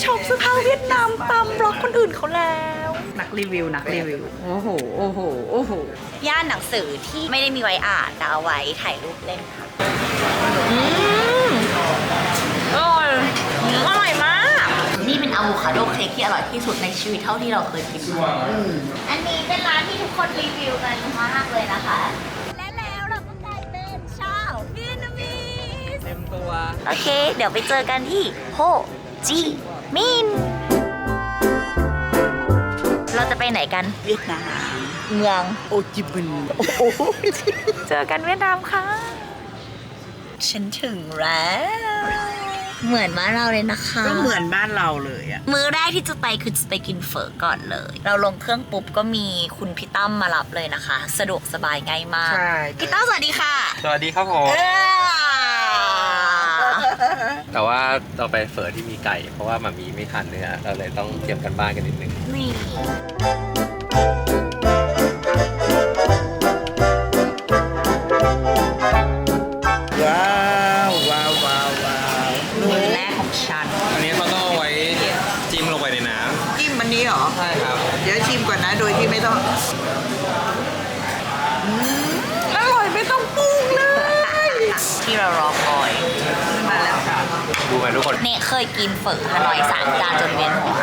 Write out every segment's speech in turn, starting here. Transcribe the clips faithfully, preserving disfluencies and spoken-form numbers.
ช็อปเสื้อผ้าเวียดนามตามบล็อกคนอื่นเขาแล้วนักรีวิวนักรีวิวโอ้โหโอ้โหโอ้โหย่านหนังสือที่ไม่ได้มีไว้อ่านแต่เอาไว้ถ่ายรูปเล่นค่ะอืมอร่อยอร่อยมากนี่เป็นอะโวคาโดเค้กที่อร่อยที่สุดในชีวิตเท่าที่เราเคยกินมาอันนี้เป็นร้านที่ทุกคนรีวิวกันมากเลยนะคะและแล้วเราก็กลายเป็นชาวเวียดนามีเต็มตัวโอเคเดี๋ยวไปเจอกันที่โฮจิมินห์เราจะไปไหนกันเวียดนามเมืองโฮจิมินห์เจอกันเวียดนามค่ะฉันถึงแล้วเหมือนบ้านเราเลยนะคะก็เหมือนบ้านเราเลยอะมื้อแรกที่จะไปคือจะไปกินเฝอก่อนเลยเราลงเครื่องปุ๊บก็มีคุณพี่ตั้มมารับเลยนะคะสะดวกสบายง่ายมากใช่พี่ตั้มสวัสดีค่ะสวัสดีครับผมแต่ว่าเราไปเฝอที่มีไก่เพราะว่ามามีไม่ทานเนื้อเราเลยต้องเตรียมกันบ้านกันนิดนึงนี่ว้าวว้าวว้าวว้าวมื้อแรกของฉันอันนี้เขาต้องเอาไว้จิ้มลงไปในน้ำจิ้มอันนี้เหรอใช่ครับเดี๋ยวชิมก่อนนะโดยที่ไม่ต้องอร่อยไม่ต้องปรุงเลยที่เรารอคอยมาแล้วค่ะดูไหมทุกคนเนี่ยเคยกินเฝอฮานอยสามจานจนเวียนหัว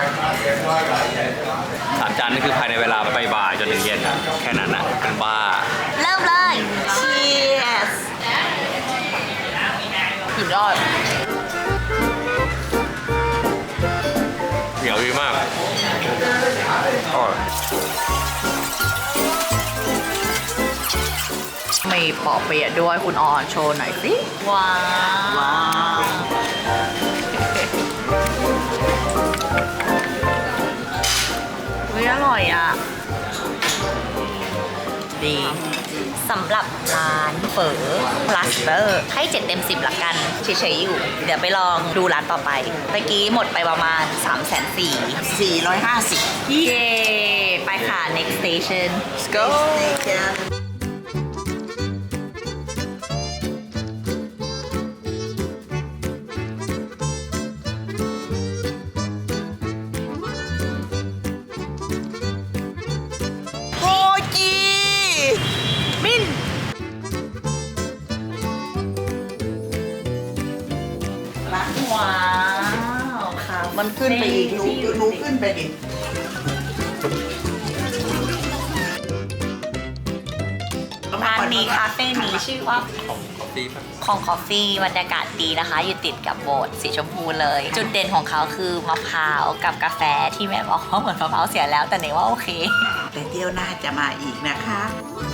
สามจานนี่คือภายในเวลาไปบ่ายจนถึงเย็นอะแค่นั้นอะเป็นบ้าเริ่มเลย Cheers สุดยอดเหนียวดีมากอร่อยมีปอเปี๊ยะด้วยคุณออนโชว์หน่อยสิว้าวว้าวอร่อยอ่ะดีสำหรับร้านเฝอพลัสเตอร์ให้เจ็ดเต็มสิบละกันเฉยๆอยู่เดี๋ยวไปลองดูร้านต่อไปเมื่อกี้หมดไปประมาณ สามแสนสี่สี่ร้อยห้าสิบเย้ไปค่ะ next station let's go โฮจิมินห์ว้าวค่ะมันขึ้นไปอีกหนูหนูขึ้นไปดิร้านนี้คาเฟ่นี้ชื่อว่าของคอฟฟี่ป่ะของคอฟฟี่บรรยากาศดีนะคะอยู่ติดกับโบสถ์สีชมพูเลยจุดเด่นของเขาคือมะพร้าวกับกาแฟที่แม่บอกว่าเหมือนมะพร้าวเสียแล้วแต่เนยว่าโอเคแต่เที่ยวหน้าจะมาอีกนะคะ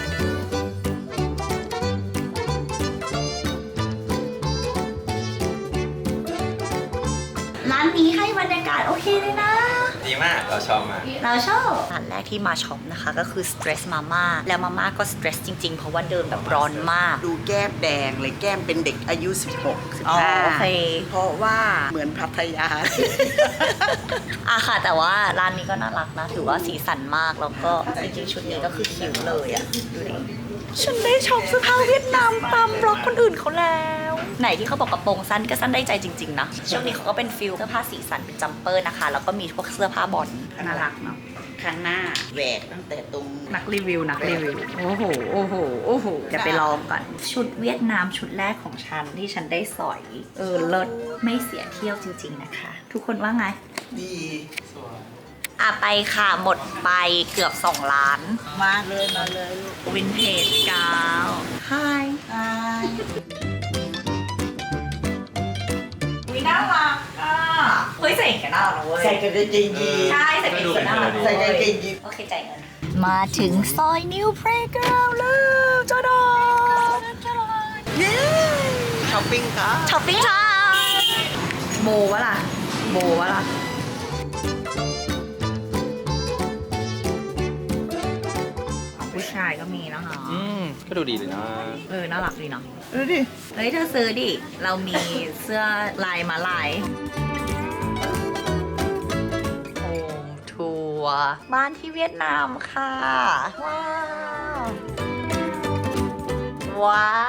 ร้านนี้ให้บรรยากาศโอเคเลยนะดีมากเราชอบมากเราชอบร้านแรกที่มาช็อปนะคะก็คือ Stress Mama แล้วมาม่าก็ stress จริงๆเพราะว่าเดินแบบร้อนมากดูแก้มแดงเลยแก้มเป็นเด็กอายุ สิบหก สิบห้าโอเคเพราะว่าเหมือนพัทยาอะค่ะแต่ว่าร้านนี้ก็น่ารักนะถือว่าสีสันมากแล้วก็จริงๆชุดนี้ก็คือคิ้วเลยอะดูดิฉันได้ช็อปเสื้อผ้าเวียดนามตามบล็อกคนอื่นเขาแล้วไหนที่เขาบอกกระโปรงสั้นก็สั้นได้ใจจริงๆนะช่วงนี้เขาก็เป็นฟิลเสื้อผ้าสีสันเป็นจัมเปอร์นะคะแล้วก็มีพวกเสื้อผ้าบอลน่ารักเนาะข้างหน้าแหวกตั้งแต่ตรงนักรีวิวนักรีวิวโอ้โหโอ้โหโอ้โหจะไปลองก่อนชุดเวียดนามชุดแรกของฉันที่ฉันได้สอยเออเลิศไม่เสียเที่ยวจริงๆนะคะทุกคนว่าไงดีอ่ะไปค่ะหมดไปเกือบสองล้านมาเลยมาเลยลูกวินเทจกาวไฮไฮวิน่ารักอ่ะเฮ้ยใส่กันน่ารักเว้ยใส่กันได้จริงดีใช่ใส่กันน่ารักใส่กันจริงดีโอเคจ่ายเงินมาถึงซอยนิวเพลย์กราวด์แล้วจ้าดอเย้ช้อปปิ้งค่ะช้อปปิ้งค่ะโบวะล่ะโบวะล่ะผู้ชายก็มีนะคะอืมก็ดูดีเลยนะเออน่ารักดีเนาะดูดิเฮ้ยเธอซื้อดิเรามีเสื้อลายมาลายโฮมทัวร์บ้านที่เวียดนามค่ะว้าวว้าว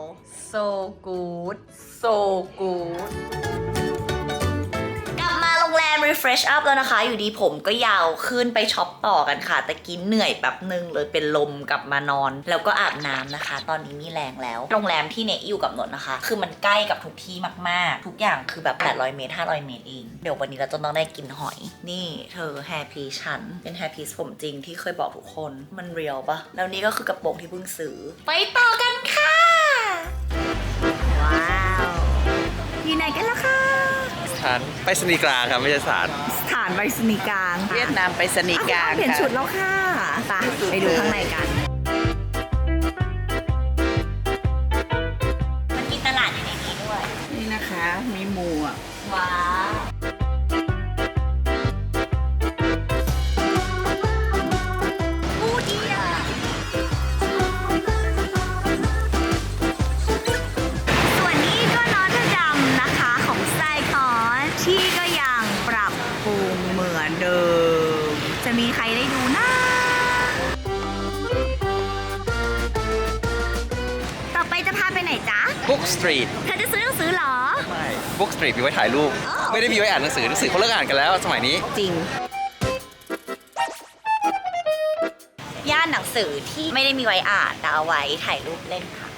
so good so good กลับมาโรง fresh up แล้วนะคะ อยู่ดีผมก็ยาวขึ้นไปช็อปต่อกันค่ะแต่กินเหนื่อยแบบนึงเลยเป็นลมกลับมานอน แล้วก็อาบน้ำนะคะ ตอนนี้มีแรงแล้วโรงแรมที่เนอยู่กับนนท์นะคะคือมันใกล้กับทุกที่มากๆทุกอย่างคือแบบแปดร้อยเมตรห้าร้อยเมตรเองเดี๋ยววันนี้เราจะต้องได้กินหอยนี่เธอแฮร์พีฉันเป็นแฮร์พีผมจริงที่เคยบอกทุกคนมันเรียลปะแล้วนี่ก็คือกระโปรงที่เพิ่งซื้อไปต่อกันค่ะว้าวอยู่ไหนกันล่ะคะสถานไปสนีย์กลางครับไม่ใช่สถานสถานไปรษณีย์กลางค่ะเวียดนามไปสนีย์กลางเปลี่ยนค่ะชุดแล้วค่ะไปไปดูข้างในกันมันมีตลาดอยู่ในนี้ด้วยนี่นะคะมีหมูอ่ะว้าวอู้ดีอ่ะส่วนนี้ก็นอตเทอร์ดัมนะคะของไซคอนที่ก็ยังปรับปรุงเหมือนเดิม จะมีใครได้ดูนะ ต่อไปจะพาไปไหนจ๊ะบุ๊กสตรีทเธอจะซื้อหนังสือเหรอไม่บุ๊กสตรีทมีไว้ถ่ายรูปอ๋อไม่ได้มีไว้อ่านหนังสือหนังสือเขาเลิกอ่านกันแล้วสมัยนี้จริง ย่านหนังสือที่ไม่ได้มีไว้อ่านแต่เอาไว้ถ่ายรูปเล่นค่ะ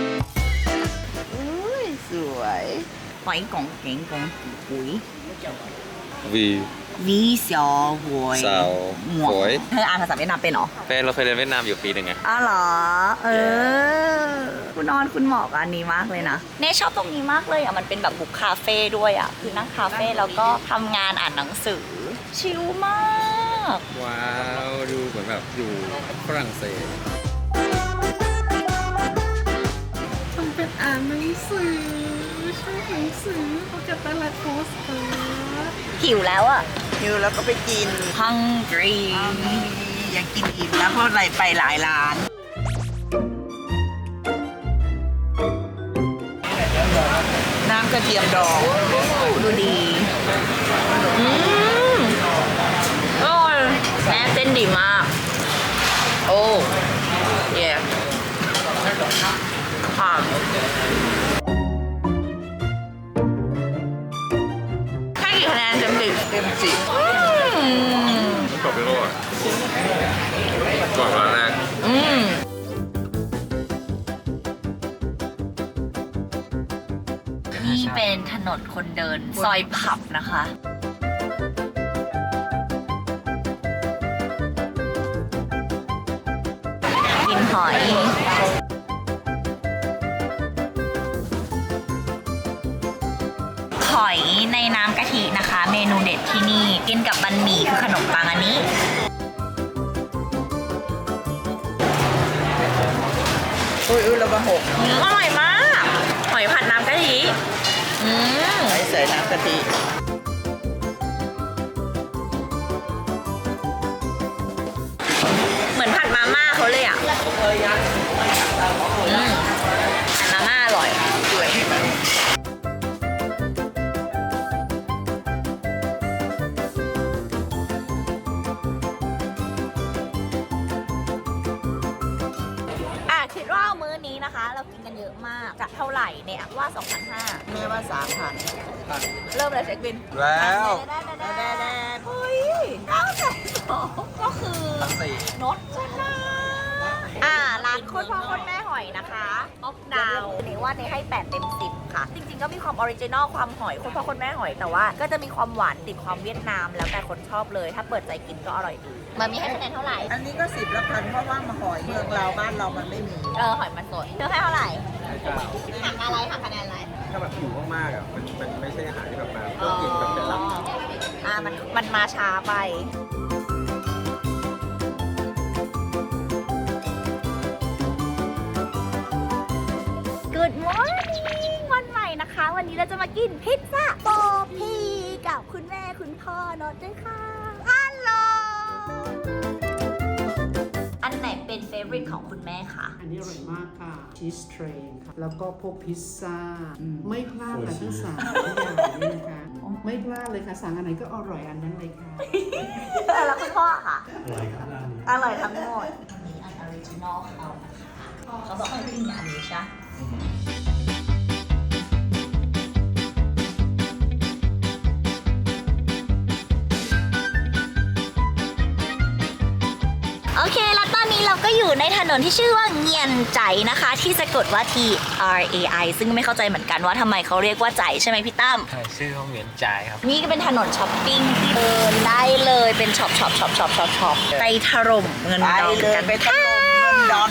อุ้ยสวยหอยกงเก๋งกงปุ๋ยวีวีเสียวหวยเสาหมวกหวยเธออ่านภาษาเวียดนามเป็นเหรอเป็นเราเคยเรียนเวียดนามอยู่ปีหนึ่งไงอ๋อเหรอ เออ คุณนอนคุณเหมาะกับอันนี้มากเลยนะ เน่ชอบตรงนี้มากเลยอ่ะ มันเป็นแบบบุกคาเฟ่ด้วยอ่ะ คือนั่งคาเฟ่แล้วก็ทำงานอ่านหนังสือ ชิลมากว้าวดูเหมือนแบบอยู่ฝรั่งเศสมันเป็นอ่านหนังสือชอบหนังสือเขาจะตลาดโพสต์การ์ดหิวแล้วอ่ะหิวแล้วก็ไปกิน hungry อยากกินอิ่มแล้วเพราะอะไรไปหลายร้าน น้ำกระเทียมดองดูดี อืมอร่อยแม่เต้นดีมากโอ้เย่ค่ะให้กี่คะแนนเต็มสิบเต็มสิบอืมจบไปแล้วอ่ะก่อนร้านแรกอืมนี่เป็นถนนคนเดินซอยผับนะคะ กินหอย หอยในน้ำกะทินะคะ เมนูเด็ดที่นี่ กินกับบันหมี่คือขนมปังอันนี้อุ้ยอุ้ยระบาหกอืมอร่อยมาก หอยผัดน้ำกะทิ อืมไว้ใส่น้ำกะทิเหมือนผัดมาม่าเขาเลยอ่ะอืมผัดมาม่าอร่อยสวยให้มันอ่ะคิดว่ามื้อนี้นะคะ เรากินกันเยอะมากจะเท่าไหร่เนี่ยว่า สองพันห้าร้อยแม่ว่าสามพันเริ่มเลยเช็คบินแล้วได้ได้ได้ได้เฮ้ยเก้าแสนสองก็คือนดชนะอ่าร้านโคตรพ่อโคตรแม่หอยนะคะออฟดาวเนว่าเนให้แปดเต็มสิบค่ะ จริงๆก็มีความออริจินอลความหอยโคตรพ่อโคตรแม่หอยแต่ว่าก็จะมีความหวานติดความเวียดนามแล้วแต่คนชอบเลย ถ้าเปิดใจกินก็อร่อยดีมันมีให้คะแนนเท่าไหร่อันนี้ก็สิบละพันเพราะว่ามาหอยเมืองเราบ้านเรามันไม่มีเออหอยมันสดเธอให้เท่าไหร่หักอะไรหักคะแนนอะไรถ้าแบบหิวมากๆอ่ะมันมันไม่ใช่อาหารที่แบบมาเพื่อกินแบบเป็นหลักอ่ามันมันมาช้าไป Good morning วันใหม่นะคะ วันนี้เราจะมากินพิซซ่าโปพีกับคุณแม่คุณพ่อนอตด้วยค่ะฮัลโหลอันไหนเป็นเฟเวอริตของคุณแม่คะอันนี้อร่อยมากค่ะชีสเทรนค่ะ แล้วก็พวกพิซซ่า ไม่พลาดค่ะทั้งสามอย่างนี้นะคะ ไม่พลาดเลยค่ะ สั่งอันไหนก็อร่อยอันนั้นเลยค่ะแล้วคุณพ่อค่ะ อร่อยครับอร่อยทั้งหมดนี่อันออริจินอลเขานะคะเขาบอกให้กินอันนี้ใช่ Good อยู่ในถนนที่ชื่อว่าเงียนใจนะคะ ที่สะกดว่า T R A I ซึ่งไม่เข้าใจเหมือนกันว่าทำไมเขาเรียกว่าใจใช่ไหมพี่ตั้มใช่ชื่อเขาเหมือนจ่ายครับนี่ก็เป็นถนนช้อปปิ้งที่เดินได้เลยเป็นช็อปช็อปช็อปช็อปช็อปช็อปไปถล่มเงินไปดองเลยกันไปถล่มเงินดอน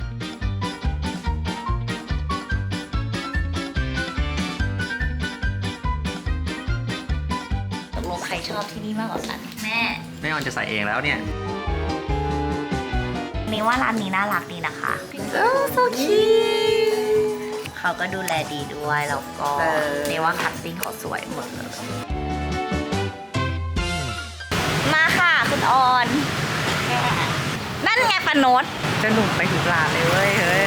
ตกลงใครชอบที่นี่มากกว่ากันแม่แม่ออนจะใส่เองแล้วเนี่ยนี่ว่าร้านนี้น่ารักดีนะคะโอ้โซคิเขาก็ดูแลดีด้วยแล้วก็นี่ว่าคัตติ้งเขาสวยหมดเลยมาค่ะคุณออนนั่นไงปนดจะหนุ่มไปถูกร้านเลยเว้ยเฮ้ย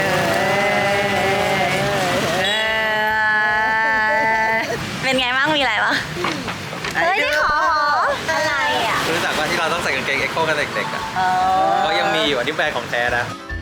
เป็นไงบ้างมีอะไรปะเฮ้ยนี่ขออะไรอ่ะรู้จักว่าที่เราต้องใส่กางเกงเอ็กโคกันเด็กๆอ่ะเออก็ยังมีอยู่อันนี้แบรนด์ของแท้นะ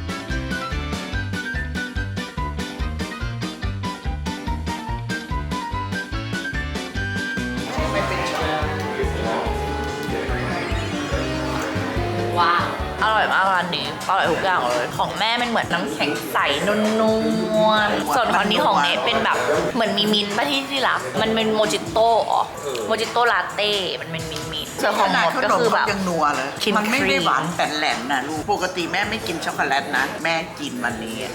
ว้าวอร่อยมากร้านนี้อร่อยทุกอย่างเลยของแม่มันเหมือนน้ำแข็งใสนุ่มๆส่วนของนี้ของเนทเป็นแบบเหมือนมีมิ้นท์ป่ะที่ที่รักมันเป็นโมจิโต้อ๋อโมจิโต้ลาเต้มันเป็นมิ้นท์มิ้นท์ส่วนของหมดก็คือแบบยังนัวเลยครีมมันไม่ครีได้มหวานแต่แหลมนะลูกปกติแม่ไม่กินช็อกโกแลตนะ แม่กินวันนี้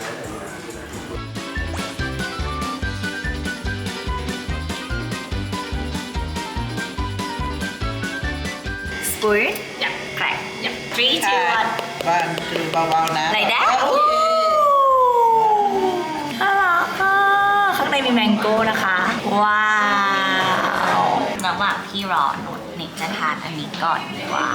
สปุยอยากแกรกอยากทรีจิวันบ้านคือเบาๆนะไหนแดะโอเคน่ารักอ่ะข้างในมีแมงโก้นะคะ ว้าวระหว่างที่รอหนุนนี่จะทานอันนี้ก่อนดีกว่า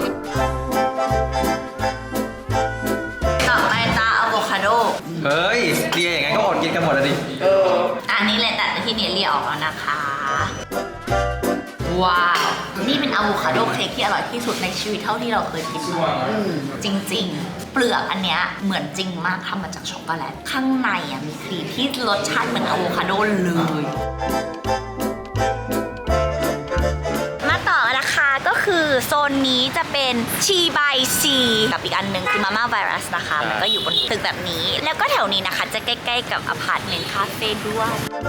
ต่อไปตาอะโวคาโดเฮ้ยเดียอย่างงั้นก็อดกินกันหมดแล้วดิอันนี้แหละแต่ที่เนี่ยเรียกออกแล้วนะคะ ว้าว นี่เป็นอะโวคาโดเค้กที่อร่อยที่สุดในชีวิตเท่าที่เราเคยกินมาจริงๆ เปลือกอันเนี้ยเหมือนจริงมากทำมาจากช็อกโกแลต ข้างในอ่ะมีครีมที่รสชาติเหมือนอะโวคาโดเลย มาต่อนะคะก็คือโซนนี้จะเป็นชีบายซีกับอีกอันหนึ่งคือมาม่าไวรัสนะคะ มันก็อยู่บนตึกแบบนี้ แล้วก็แถวนี้นะคะจะใกล้ๆกับอพาร์ตเมนต์คาเฟ่ด้วย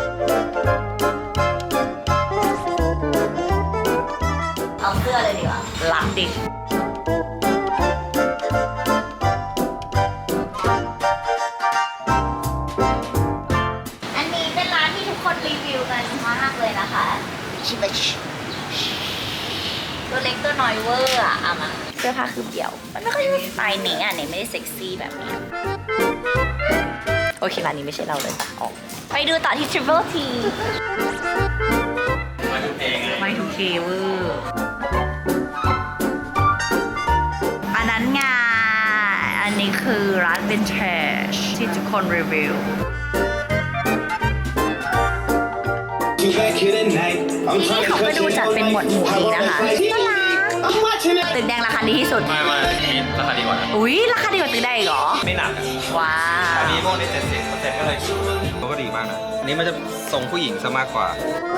เอาเสื้อเลยดีกว่าลักดิ อันนี้เป็นร้านที่ทุกคนรีวิวกันมากเลยนะคะชิบะชิตัวเล็กตัวน้อยเวอร์อะเอามาเสื้อผ้าคือเดี่ยว มันไม่ค่อยใช่สไตล์เนี้อ่ะเนี่ยไม่ได้เซ็กซี่แบบนี้ โอเคร้านนี้ไม่ใช่เราเลยออกไปดูต่อที่ Triple T มาทุกเพลงไงไม่ทุกเคเวอร์อันนั้นไงอันนี้คือร้าน Vintage ที่ทุกคนรีวิว นี่เขาก็ดูจัดเป็นหมวดหมู่ดีนะคะน่ารักตึกแดงราคาดีที่สุดมามานี่ราคาดีกว่านะอุ๊ย ราคาดีกว่าตึกแดงอีกเหรอไม่หนักอะว้าอัวนนี้พวกนี้เจ็ดสิบเปอร์เซ็นต์ก็เลยเขาก็ดีมากนะอันนี้มันจะทรงผู้หญิงซะมากกว่า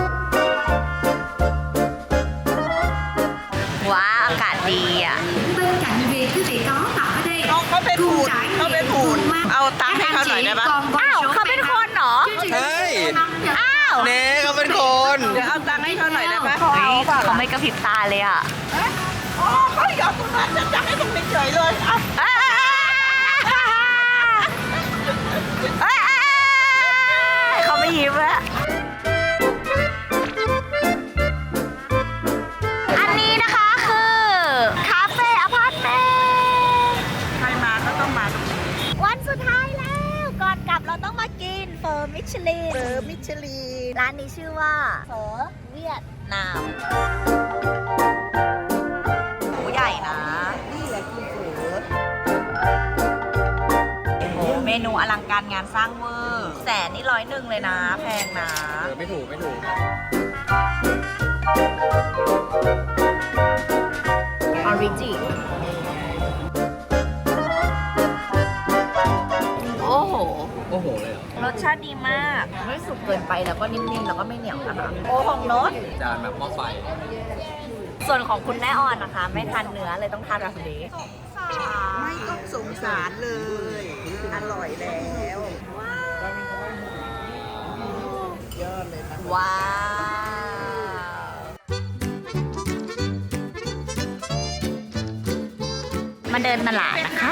ว้าวอากาศดีอ่ะ Bên cạnh việc quý vị có mặt ở đây เขาเขาเป็นหุ่น trải เขาเป็น nghiệm หุ่น cùng mang เอาตังค์ให้เขาหน่อยได้ปะ còn có อ้าว số เขาเป็นคนเหรอ chương trình เฮ้ยอ้าวเน่เขาเป็นคนเดี๋ยวเอาตังค์ให้เขาหน่อยได้ปะเฮ้ยเขาไม่กระพริบตาเลยอ่ะอ๋อเขาหยอดตรงนั้นจะจับให้ตรงนี้เฉยเลยอ่ะเขาไม่ยิ้มแล้วอันนี้นะคะคือคาเฟ่อพาร์ตเมนต์ใครมาก็ต้องมาตรงนี้วันสุดท้ายแล้ว ก่อนกลับเราต้องมากินเฟอร์มิชลินเบอร์มิชลีนร้านนี้ชื่อว่าเฟอเวียดนามโหใหญ่นะนี่แหละคือเบอร์โอ้เมนูอลังการงานสร้างเวอร์แสนนี่ร้อยหนึ่งเลยนะ แพงนะเออไม่ถูกไม่ถูกออริจิโอ้โหโอ้โหเลยเหรอรสชาติดีมาก ไม่สุกเกินไปแล้วก็นิ่มๆ แล้วก็ไม่เหนียวนะคะ โอ้ของโน้ตจานแบบหม้อไฟส่วนของคุณแม่ออนนะคะ ไม่ทานเนื้อเลยต้องทานแบบนี้ไม่ต้องสงสารเลย อร่อยแล้วยอดเลยนะว้าวมาเดินตลาดนะคะ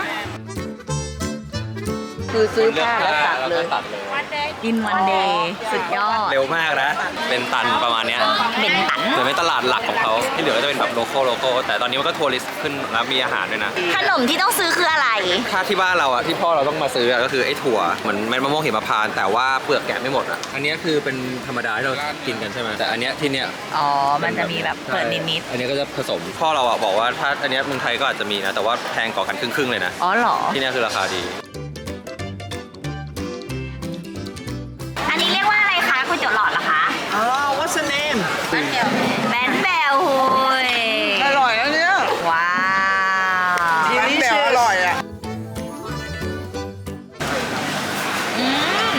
คือซื้อผ้าแล้วตัดเลยตัดเลยกินวันเดย์สุดยอดเร็วมากนะ เป็นตันประมาณเนี้ยเป็นตันเหมือนเป็นตลาดหลักของเขาที่เหลือก็จะเป็นแบบโลโก้โลโก้แต่ตอนนี้มันก็ทัวริสต์ขึ้นแล้วมีอาหารด้วยนะขนมที่ต้องซื้อคืออะไรถ้าที่บ้านเราอะที่พ่อเราต้องมาซื้ออะก็คือไอ้ถั่วเหมือนเม็ดมะม่วงหิมพานต์แต่ว่าเปลือกแกะไม่หมดอะอันนี้คือเป็นธรรมดาที่เรากินกันใช่ไหมแต่อันเนี้ยที่เนี้ยอ๋อ มันจะมีแบบเปิดนิดอันนี้ก็จะผสมพ่อเราอะบอกว่าถ้าอันเนี้ยเมืองไทยก็อาจจะมีนะแต่ว่าแพงกว่ากันครึ่งๆเลยนะๆอ๋อเหรอที่เนี้ยคือราคาดีอันนี้เรียกว่าอะไรคะก๋วยเตี๋ยวหลอดเหรอคะอ๋อ what's the name แบนแบลหุยอร่อยแล้วเนี่ยว้าวร้านแบวอร่อยอ่ะอืม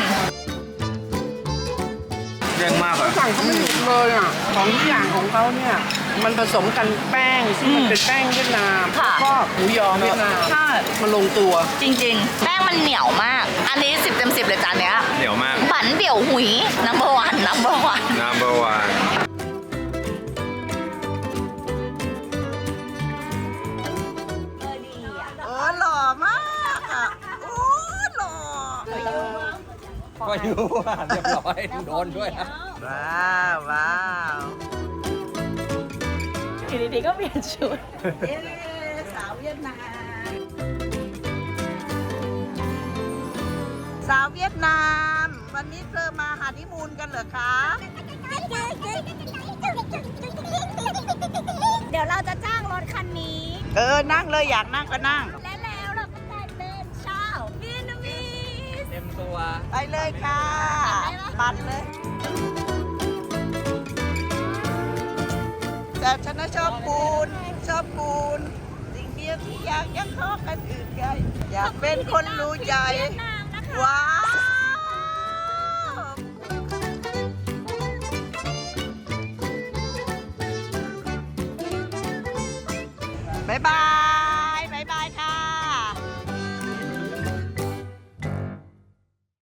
เรื่องมากอะสั่งเขาไม่หยุดเลยอ่ะ ของทุกอย่างของเขาเนี่ย มันผสมกันแป้งซึ่งมันเป็นแป้งเวียดนามค่ะแล้วก็หมูยอเวียดนามใช่มันลงตัวจริงๆ แป้งมันเหนียวมาก อันนี้สิบเต็มสิบเลยจานเนี้ยเหนียวมากบันเบี่ยวหุย number one number one number one เออหล่อมากอ่ะ โอ้หล่อก็อยู่อ่ะเรียบร้อยโดนด้วยนะว้าวว้าวอยู่ดีๆก็เปลี่ยนชุดเอ๊ะสาวเวียดนาม สาวเวียดนาม วันนี้เธอมาหานิมูนกันเหรอคะเดี๋ยวเราจะจ้างรถคันนี้เออ นั่งเลยอยากนั่งก็นั่งและแล้วเราก็ได้เป็นชาวเวียดนามีสเต็มตัวไปเลยค่ะ ปั่นเลย แต่ฉันน่ะชอบปูน ชอบปูน สิ่งเดียวที่อยากยังขอกันอื่นใหญ่อยากเป็นคนรู้ใจ ว้าว บ๊ายบาย